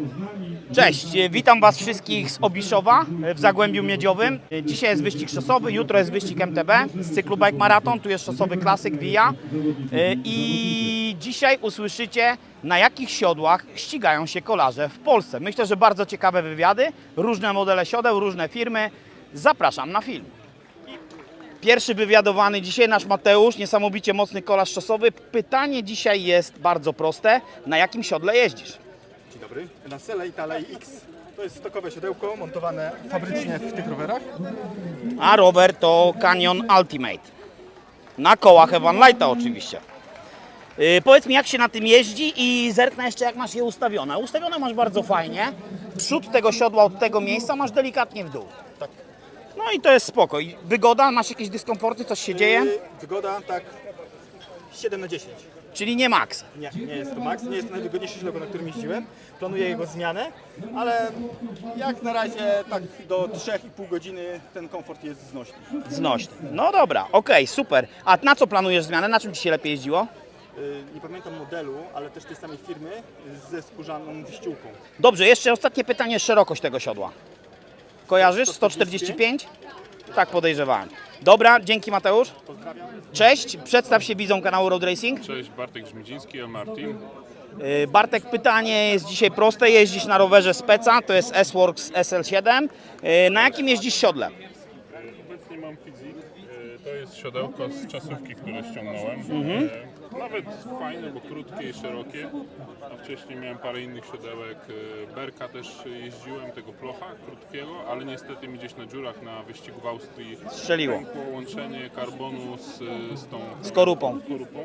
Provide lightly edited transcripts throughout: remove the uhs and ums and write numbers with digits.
Cześć, witam Was wszystkich z Obiszowa w Zagłębiu Miedziowym. Dzisiaj jest wyścig szosowy, jutro jest wyścig MTB z cyklu Bike Marathon, tu jest szosowy klasyk VIA. I dzisiaj usłyszycie, na jakich siodłach ścigają się kolarze w Polsce. Myślę, że bardzo ciekawe wywiady, różne modele siodeł, różne firmy. Zapraszam na film. Pierwszy wywiadowany dzisiaj nasz Mateusz, niesamowicie mocny kolarz szosowy. Pytanie dzisiaj jest bardzo proste. Na jakim siodle jeździsz? Dzień dobry. Na Sele Italei X. To jest stokowe siodełko montowane fabrycznie w tych rowerach. A rower to Canyon Ultimate. Na kołach Evan Lighta oczywiście. Powiedz mi, jak się na tym jeździ i zerknę jeszcze, jak masz je ustawione. Ustawione masz bardzo fajnie. Przód tego siodła od tego miejsca masz delikatnie w dół. Tak. No i to jest spoko. I wygoda? Masz jakieś dyskomforty? Coś się dzieje? Wygoda tak 7 na 10. Czyli nie max. Nie jest to max, nie jest to najwygodniejsze siodełko, na którym jeździłem. Planuję jego zmianę, ale jak na razie tak do 3,5 godziny ten komfort jest znośny. Znośny. No dobra, okej, super. A na co planujesz zmianę? Na czym Ci się lepiej jeździło? Nie pamiętam modelu, ale też tej samej firmy ze skórzaną wyściółką. Dobrze, jeszcze ostatnie pytanie, szerokość tego siodła. Kojarzysz? 145? 145? Tak podejrzewałem. Dobra, dzięki Mateusz. Pozdrawiam. Cześć, przedstaw się widzą kanału Road Racing. Cześć, Bartek Grzmidziński, a Martin. Bartek, pytanie jest dzisiaj proste. Jeździsz na rowerze Speca, to jest S-Works SL7. Na jakim jeździsz siodle? Obecnie mam Fizik. To jest siodełko z czasówki, które ściągnąłem. Nawet fajne, bo krótkie i szerokie. A wcześniej miałem parę innych siodełek. Berka też jeździłem, tego plocha krótkiego, ale niestety mi gdzieś na dziurach na wyścigu w Austrii Strzeliło. pękło łączenie karbonu z tą Skorupą.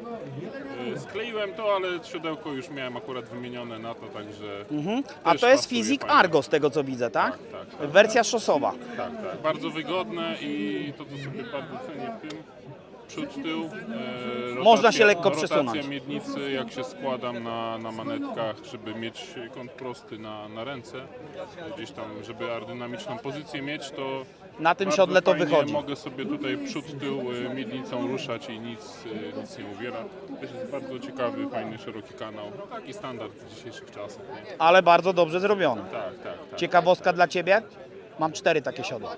Skleiłem to, ale siodełko już miałem akurat wymienione na to, także... A też to jest pasuje Fizik fajnie. Argo z tego co widzę, tak? Tak. Wersja szosowa. Tak. Bardzo wygodne i to, co sobie bardzo cenię w tym, przód, tył. Można się lekko przesunąć. Rotacja miednicy, jak się składam na manetkach, żeby mieć kąt prosty na ręce, gdzieś tam, żeby aerodynamiczną pozycję mieć, to Na tym bardzo siodle to fajnie wychodzi. Mogę sobie tutaj przód, tył miednicą ruszać i nic nie uwiera. To jest bardzo ciekawy, fajny, szeroki kanał. No, taki standard w dzisiejszych czasach. Nie? Ale bardzo dobrze zrobiony. Tak. Ciekawostka dla Ciebie? Mam 4 takie siodła.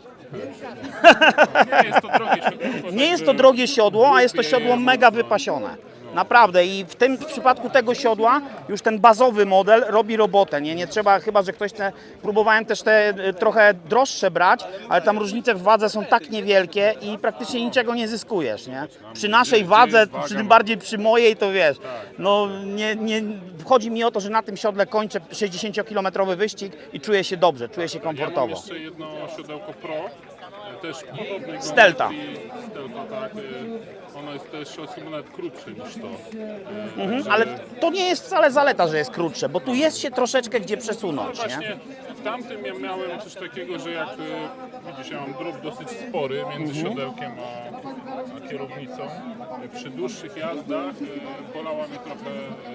Nie jest to drogie siodło. Nie jest to drogie siodło, a jest to siodło mega wypasione. Naprawdę i w tym przypadku tego siodła już ten bazowy model robi robotę. Nie trzeba, chyba że ktoś próbowałem też te trochę droższe brać, ale tam różnice w wadze są tak niewielkie i praktycznie niczego nie zyskujesz, nie? Przy naszej wadze, tym bardziej przy mojej, to wiesz, no nie chodzi mi o to, że na tym siodle kończę 60-kilometrowy wyścig i czuję się dobrze, czuję się Ja mam komfortowo. jeszcze jedno siodełko Pro, też podobnego. Stelta. Stelta, tak. Ono jest też chyba nawet krótsze niż to. Ale to nie jest wcale zaleta, że jest krótsze, bo tu jest się troszeczkę gdzie przesunąć, nie? Właśnie w tamtym ja miałem coś takiego, że jak widzisz, ja mam drób dosyć spory między siodełkiem a kierownicą. Przy dłuższych jazdach bolała mnie trochę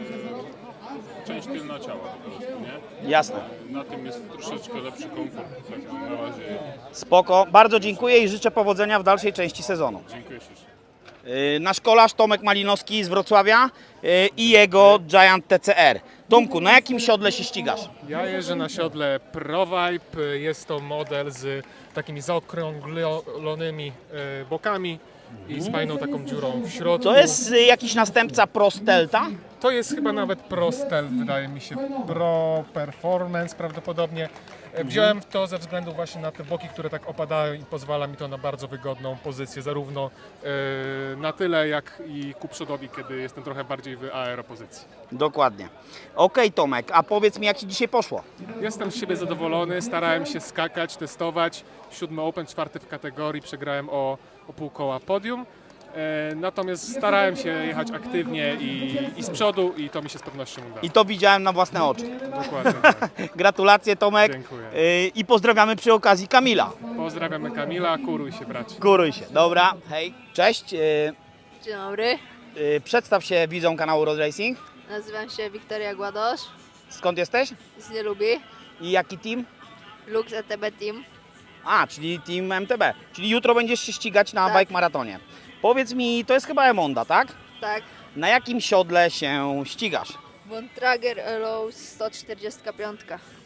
część tylna ciała po prostu, nie? Jasne. Na tym jest troszeczkę lepszy komfort, także na razie Spoko. Bardzo dziękuję i życzę powodzenia w dalszej części sezonu. dziękuję ślicznie. Nasz kolarz Tomek Malinowski z Wrocławia i jego Giant TCR. Tomku, na jakim siodle się ścigasz? Ja jeżdżę na siodle ProVibe. Jest to model z takimi zaokrąglonymi bokami i z fajną taką dziurą w środku. To jest jakiś następca Pro Stelta? To jest chyba nawet Pro Stealth, wydaje mi się, Pro Performance prawdopodobnie. Wziąłem to ze względu właśnie na te boki, które tak opadają i pozwala mi to na bardzo wygodną pozycję, zarówno na tyle, jak i ku przodowi, kiedy jestem trochę bardziej w aeropozycji. Dokładnie. Okej, Tomek, a powiedz mi, jak Ci dzisiaj poszło? Jestem z siebie zadowolony, starałem się skakać, testować. 7 Open, 4 w kategorii, przegrałem o pół koła podium. Natomiast starałem się jechać aktywnie i z przodu i to mi się z pewnością udało. I to widziałem na własne oczy. Dokładnie tak. Gratulacje, Tomek. Dziękuję. I pozdrawiamy przy okazji Kamila. Pozdrawiamy Kamila, kuruj się bracie. Kuruj się. Dobra, hej. Cześć. Dzień dobry, Przedstaw się widzom kanału Road Racing. nazywam się Wiktoria Gładosz Skąd jesteś? z Nielubi, I jaki team? Lux ETB Team. A, czyli team MTB. Czyli jutro będziesz się ścigać na Tak. bike maratonie. Powiedz mi, to jest chyba Emonda, tak? Tak, Na jakim siodle się ścigasz? Bontrager Elow 145.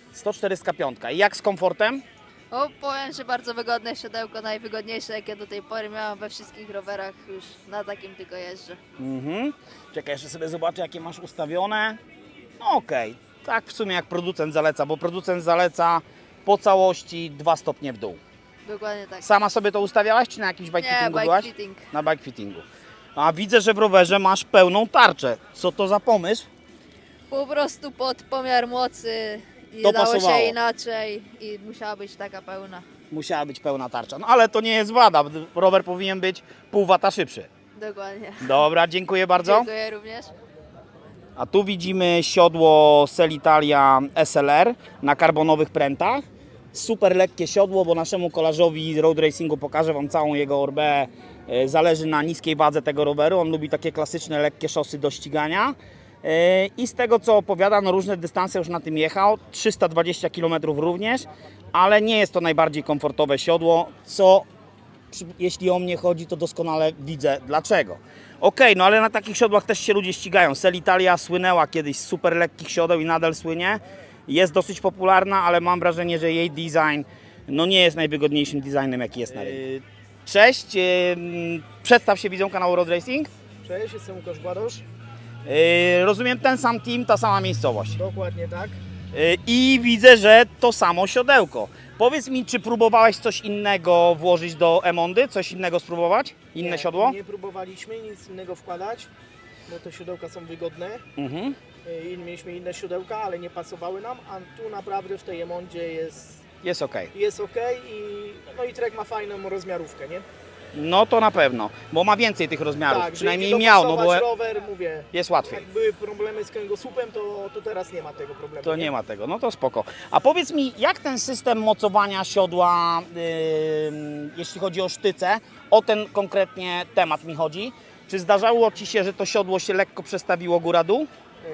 145. I jak z komfortem? O, powiem, że bardzo wygodne siodełko, najwygodniejsze jakie do tej pory miałam we wszystkich rowerach, już na takim tylko jeżdżę. Czekaj, jeszcze sobie zobaczę, jakie masz ustawione. No okej, tak w sumie jak producent zaleca, bo producent zaleca po całości 2 stopnie w dół. Dokładnie tak. Sama sobie to ustawiałaś, czy na jakimś bike Nie, fittingu bike byłaś? fitting. Na bike fittingu. A widzę, że w rowerze masz pełną tarczę. Co to za pomysł? Po prostu pod pomiar mocy i To dało pasowało. się inaczej i musiała być taka pełna. Musiała być pełna tarcza. No ale to nie jest wada. Rower powinien być pół wata szybszy. Dokładnie. Dobra, dziękuję bardzo. Dziękuję również. A tu widzimy siodło Selitalia SLR na karbonowych prętach. Super lekkie siodło, bo naszemu kolarzowi z road racingu pokażę Wam całą jego orbę. Zależy na niskiej wadze tego roweru. On lubi takie klasyczne, lekkie szosy do ścigania. I z tego co opowiada, no różne dystanse już na tym jechał. 320 km również, ale nie jest to najbardziej komfortowe siodło, co jeśli o mnie chodzi, to doskonale widzę dlaczego. Okej, no ale na takich siodłach też się ludzie ścigają. Selitalia słynęła kiedyś z super lekkich siodeł i nadal słynie. Jest dosyć popularna, ale mam wrażenie, że jej design no nie jest najwygodniejszym designem, jaki jest na rynku. Cześć, przedstaw się widzom kanału Road Racing. Cześć, jestem Łukasz Gładosz. Rozumiem, ten sam team, ta sama miejscowość. Dokładnie tak. I widzę, że to samo siodełko. Powiedz mi, czy próbowałeś coś innego włożyć do Emondy? Coś innego spróbować? Inne siodło? Nie próbowaliśmy nic innego wkładać, bo te siodełka są wygodne. Mhm. Mieliśmy inne siodełka, ale nie pasowały nam, a tu naprawdę w tej Emondzie Jest ok. jest ok i Trek ma fajną rozmiarówkę, nie? No to na pewno, bo ma więcej tych rozmiarów. Tak, Przynajmniej żeby miał, no dopasować bo rower, mówię, jest łatwiej. jak były problemy z kręgosłupem, to teraz nie ma tego problemu. To nie ma tego, no to spoko. A powiedz mi, jak ten system mocowania siodła, jeśli chodzi o sztyce, o ten konkretnie temat mi chodzi. Czy zdarzało Ci się, że to siodło się lekko przestawiło góra-dół?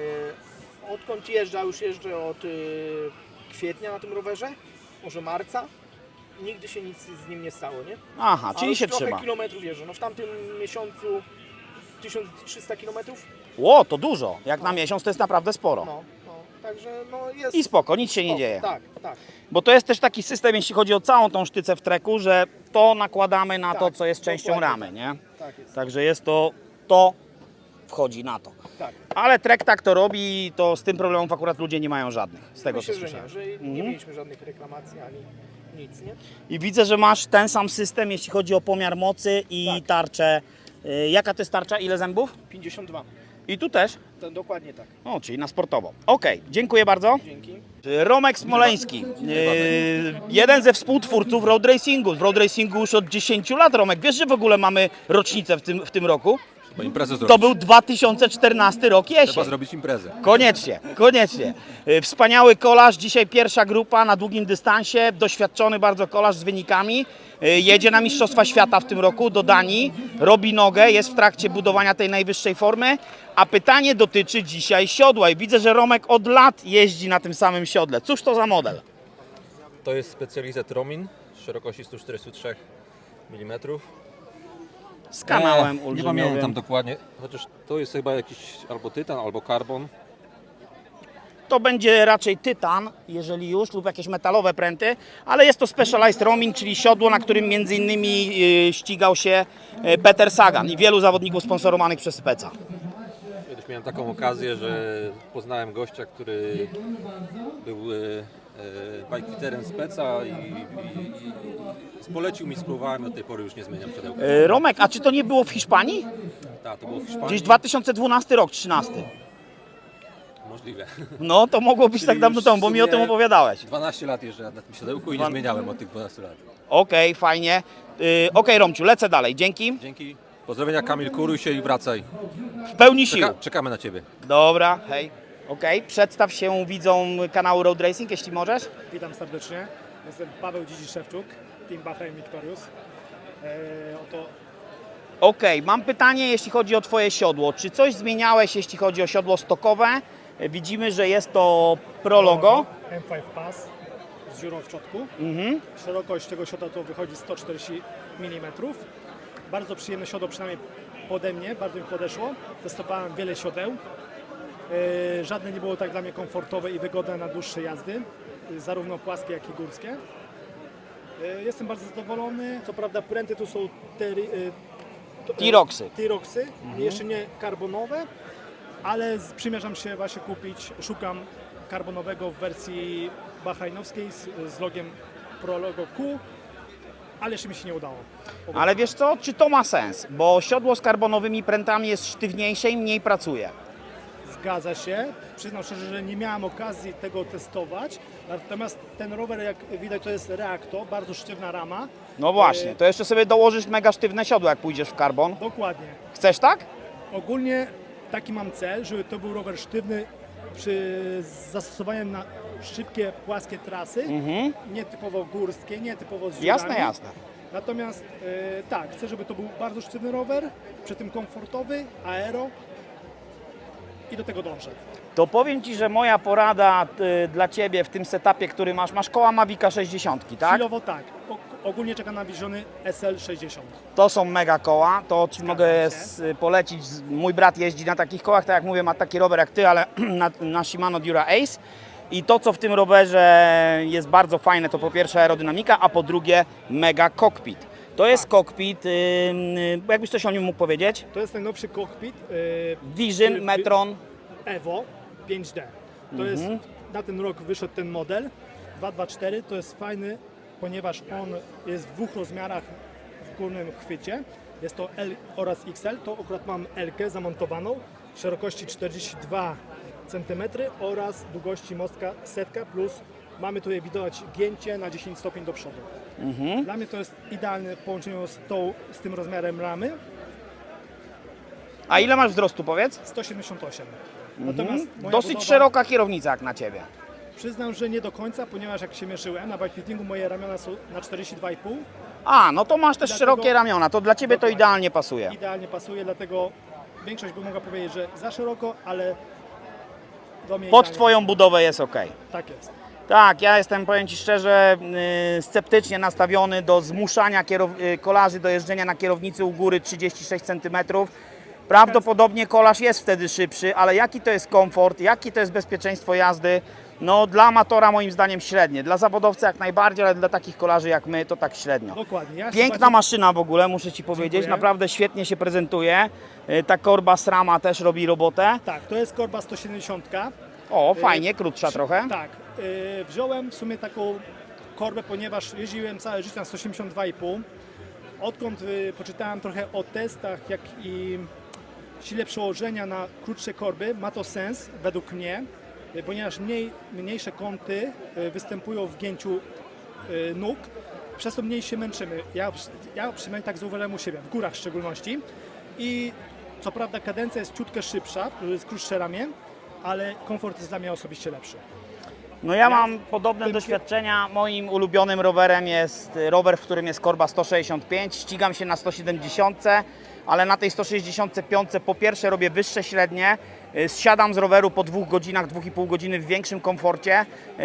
Odkąd jeżdżę, już jeżdżę od kwietnia na tym rowerze, może marca. Nigdy się nic z nim nie stało, nie? Aha, A czyli już się trochę trzyma. kilometrów jeżdżę. No w tamtym miesiącu 1300 kilometrów. Ło, to dużo. Jak na miesiąc to jest naprawdę sporo. Także no jest. I spoko, nic się nie spoko. dzieje. Tak, tak. Bo to jest też taki system, jeśli chodzi o całą tą sztycę w treku, że to nakładamy na to, Tak, co jest częścią dokładnie ramy, nie? Tak jest. Także jest to wchodzi na to. Tak. Ale trek tak to robi, to z tym problemów akurat ludzie nie mają żadnych, z tego Myślę, co że słyszałem. nie, że nie mieliśmy żadnych reklamacji ani nic, nie? I widzę, że masz ten sam system, jeśli chodzi o pomiar mocy i Tak. tarczę. Jaka to jest tarcza? Ile zębów? 52. I tu też? To dokładnie tak. O, czyli na sportowo. Okej, dziękuję bardzo. Dzięki. Romek Smoleński, jeden ze współtwórców road racingu. W road racingu już od 10 lat, Romek. Wiesz, że w ogóle mamy rocznicę w tym roku? Bo imprezę zrobić. To był 2014 rok Trzeba jesień. zrobić imprezę. Koniecznie, koniecznie. Wspaniały kolarz, dzisiaj pierwsza grupa na długim dystansie, doświadczony bardzo kolarz z wynikami. Jedzie na Mistrzostwa Świata w tym roku do Danii, robi nogę, jest w trakcie budowania tej najwyższej formy, a pytanie dotyczy dzisiaj siodła i widzę, że Romek od lat jeździ na tym samym siodle. Cóż to za model? To jest specjalizat Romin, szerokości 143 mm. Z kanałem Nie ulżymiowym. pamiętam dokładnie, chociaż to jest chyba jakiś albo tytan, albo karbon. To będzie raczej tytan, jeżeli już, lub jakieś metalowe pręty, ale jest to Specialized Romin, czyli siodło, na którym między innymi ścigał się Peter Sagan i wielu zawodników sponsorowanych przez Speca. Kiedyś miałem taką okazję, że poznałem gościa, który był bikefiterem Speca i polecił mi, spróbowałem i od tej pory już nie zmieniam siodełka. Romek, a czy to nie było w Hiszpanii? Tak, to było w Hiszpanii. Gdzieś 2012 rok, 13. Możliwe. No to mogło być Czyli tak dawno już temu, w bo mi o tym sumie opowiadałeś. 12 lat jeżdżę na tym siodełku i nie zmieniałem od tych 12 lat. Okej, fajnie. Okej, Romciu, lecę dalej. Dzięki. Dzięki. Pozdrowienia Kamil, kuruj się i wracaj. W pełni sił. Czekamy na Ciebie. Dobra, hej. Okej, przedstaw się widzom kanału Road Racing, jeśli możesz. Witam serdecznie. Jestem Paweł Dzidziszewczuk, Team Bahrain Victorious. Okej, mam pytanie, jeśli chodzi o Twoje siodło. Czy coś zmieniałeś, jeśli chodzi o siodło stokowe? Widzimy, że jest to Pro logo. M5 Pass z dziurą w czotku. Mhm. Szerokość tego siodła to wychodzi 140 mm. Bardzo przyjemne siodło, przynajmniej pode mnie, bardzo mi podeszło. Testowałem wiele siodeł Żadne nie było tak dla mnie komfortowe i wygodne na dłuższe jazdy, zarówno płaskie, jak i górskie. Jestem bardzo zadowolony. Co prawda pręty tu są T-Roxy. T-Roxy, jeszcze nie karbonowe, ale przymierzam się właśnie kupić, szukam karbonowego w wersji bahrajnowskiej z logiem Pro Logo Q, ale jeszcze mi się nie udało. Ale wiesz co, czy to ma sens? Bo siodło z karbonowymi prętami jest sztywniejsze i mniej pracuje. Zgadza się. Przyznam szczerze, że nie miałem okazji tego testować. Natomiast ten rower, jak widać, to jest Reacto, bardzo sztywna rama. No właśnie, to jeszcze sobie dołożysz mega sztywne siodło, jak pójdziesz w karbon. Dokładnie. Chcesz tak? Ogólnie taki mam cel, żeby to był rower sztywny przy zastosowaniu na szybkie, płaskie trasy, nie typowo górskie, nie typowo z dziurami. Jasne, jasne. Natomiast tak, chcę, żeby to był bardzo sztywny rower, przy tym komfortowy, aero i do tego dążę. To powiem Ci, że moja porada dla Ciebie w tym setupie, który masz koła Mavica 60, tak? Chwilowo tak. Ogólnie czekam na Visiony SL60. To są mega koła, to Ci mogę się. polecić. Mój brat jeździ na takich kołach, tak jak mówię, ma taki rower jak Ty, ale na Shimano Dura Ace. I to, co w tym rowerze jest bardzo fajne, to po pierwsze aerodynamika, a po drugie mega cockpit. To jest cockpit, jakbyś coś o nim mógł powiedzieć? To jest najnowszy cockpit Vision, Metron. Evo 5D. To jest, na ten rok wyszedł ten model 224. To jest fajny, ponieważ on jest w dwóch rozmiarach w górnym chwycie. Jest to L oraz XL. To akurat mam L-kę zamontowaną w szerokości 42 cm oraz długości mostka 100 plus mamy tutaj widać gięcie na 10 stopni do przodu. Dla mnie to jest idealne w połączeniu z tym rozmiarem ramy. A ile masz wzrostu, powiedz? 178. Natomiast moja Dosyć budowa- szeroka kierownica jak na Ciebie. Przyznam, że nie do końca, ponieważ jak się mierzyłem na bikefittingu, moje ramiona są na 42,5. A, no to masz też Dlatego- szerokie ramiona, to dla Ciebie to Dokładnie. idealnie pasuje. Idealnie pasuje, dlatego większość by mogła powiedzieć, że za szeroko, ale do mnie Pod idealnie Twoją budowę jest ok. pasuje. Tak jest. Tak, ja jestem, powiem Ci szczerze, sceptycznie nastawiony do zmuszania kolarzy do jeżdżenia na kierownicy u góry 36 cm. Prawdopodobnie kolarz jest wtedy szybszy, ale jaki to jest komfort, jakie to jest bezpieczeństwo jazdy, no dla amatora moim zdaniem średnie. Dla zawodowcy jak najbardziej, ale dla takich kolarzy jak my to tak średnio. Dokładnie. Ja się Piękna bardziej- maszyna w ogóle, muszę Ci powiedzieć, Dziękuję. naprawdę świetnie się prezentuje. Ta korba SRAMA też robi robotę. Tak, to jest korba 170. O, fajnie, krótsza trochę. Tak. Wziąłem w sumie taką korbę, ponieważ jeździłem całe życie na 182,5. Odkąd poczytałem trochę o testach, jak i sile przełożenia na krótsze korby, ma to sens według mnie, ponieważ mniejsze kąty występują w gięciu nóg, przez to mniej się męczymy. Ja przynajmniej tak zauważyłem u siebie, w górach w szczególności. I co prawda kadencja jest ciutkę szybsza, jest krótsze ramię, ale komfort jest dla mnie osobiście lepszy. No ja mam podobne doświadczenia. Moim ulubionym rowerem jest rower, w którym jest korba 165. Ścigam się na 170, ale na tej 165 po pierwsze robię wyższe średnie. Zsiadam z roweru po 2 godzinach, 2,5 godziny w większym komforcie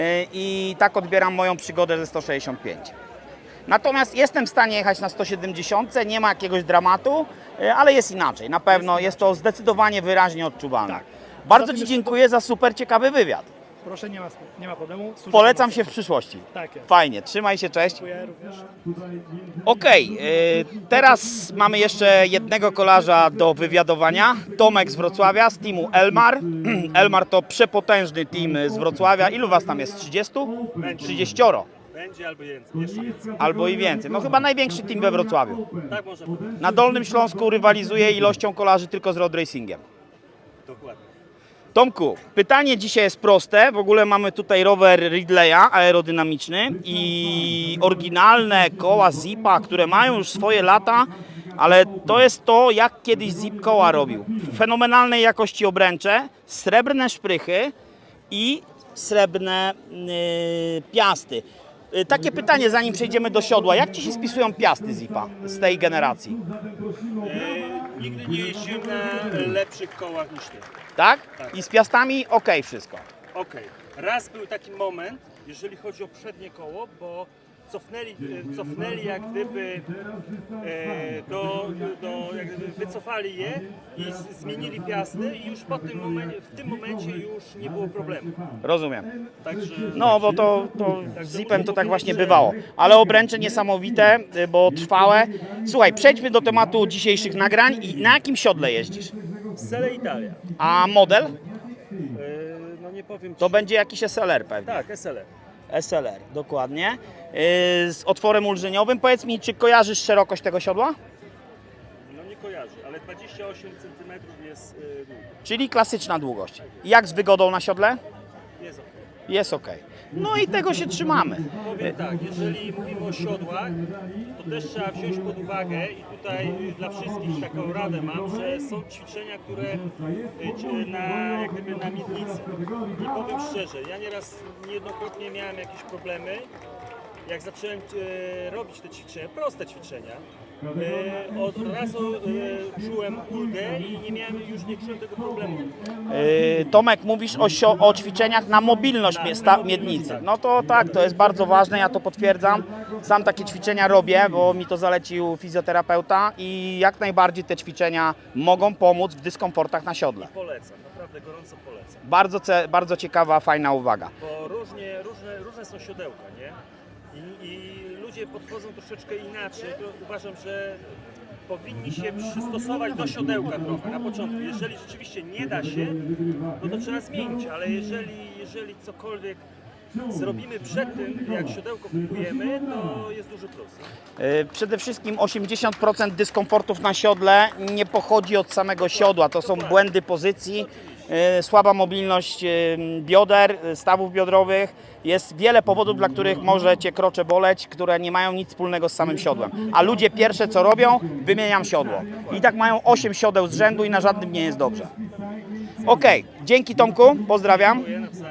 i tak odbieram moją przygodę ze 165. Natomiast jestem w stanie jechać na 170, nie ma jakiegoś dramatu, ale jest inaczej. Na pewno jest to zdecydowanie wyraźnie odczuwalne. Tak. Bardzo Poza tym Ci jeszcze dziękuję za super ciekawy wywiad. Proszę, nie ma problemu. Służę Polecam pomocy. się w przyszłości. Tak jest. Fajnie, trzymaj się, cześć. Dziękuję również. Okej, teraz mamy jeszcze jednego kolarza do wywiadowania. Tomek z Wrocławia, z teamu Elmar. Elmar to przepotężny team z Wrocławia. Ilu was tam jest? 30? 30. Będzie albo więcej, jeszcze więcej. Albo i więcej. No chyba największy team we Wrocławiu. Tak można powiedzieć. Na Dolnym Śląsku rywalizuje ilością kolarzy tylko z road racingiem. Dokładnie. Tomku, pytanie dzisiaj jest proste. W ogóle mamy tutaj rower Ridleya aerodynamiczny i oryginalne koła Zipa, które mają już swoje lata, ale to jest to, jak kiedyś Zip koła robił. Fenomenalnej jakości obręcze, srebrne szprychy i srebrne piasty. Takie pytanie, zanim przejdziemy do siodła. Jak Ci się spisują piasty Zipa z tej generacji? Nigdy nie jeździłem na lepszych kołach niż ty. Tak? Tak. I z piastami okej wszystko. Okej. Raz był taki moment, jeżeli chodzi o przednie koło, bo cofnęli jak gdyby jak gdyby wycofali je i zmienili piasty i już w tym momencie już nie było problemu. Rozumiem. Także No, bo to z Zipem to tak właśnie bywało. Ale obręcze niesamowite, bo trwałe. Słuchaj, przejdźmy do tematu dzisiejszych nagrań. I na jakim siodle jeździsz? Sele Italia. A model? No nie powiem ci. To będzie jakiś SLR pewnie. Tak, SLR. SLR, dokładnie. Z otworem ulżeniowym. Powiedz mi, czy kojarzysz szerokość tego siodła? No nie kojarzę, ale 28 cm jest długo. Czyli klasyczna długość. Jak z wygodą na siodle? Jest ok. Jest ok. No i tego się trzymamy. Powiem tak, jeżeli mówimy o siodłach, to też trzeba wziąć pod uwagę i tutaj dla wszystkich taką radę mam, że są ćwiczenia, które jak gdyby na miednicy. I powiem szczerze, ja niejednokrotnie miałem jakieś problemy, jak zacząłem robić te ćwiczenia, proste ćwiczenia, od razu czułem ulgę i nie czułem tego problemu. Tomek, mówisz o ćwiczeniach na mobilność miednicy. No to tak, to jest bardzo ważne, ja to potwierdzam. Sam takie ćwiczenia robię, bo mi to zalecił fizjoterapeuta i jak najbardziej te ćwiczenia mogą pomóc w dyskomfortach na siodle. Polecam, naprawdę gorąco polecam. Bardzo ciekawa, fajna uwaga. Bo różne są siodełka, nie? I ludzie podchodzą troszeczkę inaczej. To uważam, że powinni się przystosować do siodełka trochę na początku. Jeżeli rzeczywiście nie da się, no to trzeba zmienić, ale jeżeli cokolwiek zrobimy przed tym, jak siodełko kupujemy, to jest duży plus. Przede wszystkim 80% dyskomfortów na siodle nie pochodzi od samego siodła. To są błędy pozycji, słaba mobilność bioder, stawów biodrowych. Jest wiele powodów, dla których może Cię krocze boleć, które nie mają nic wspólnego z samym siodłem. A ludzie pierwsze co robią, wymieniam siodło. I tak mają 8 siodeł z rzędu i na żadnym nie jest dobrze. Okej, dzięki Tomku, pozdrawiam. Dziękuję.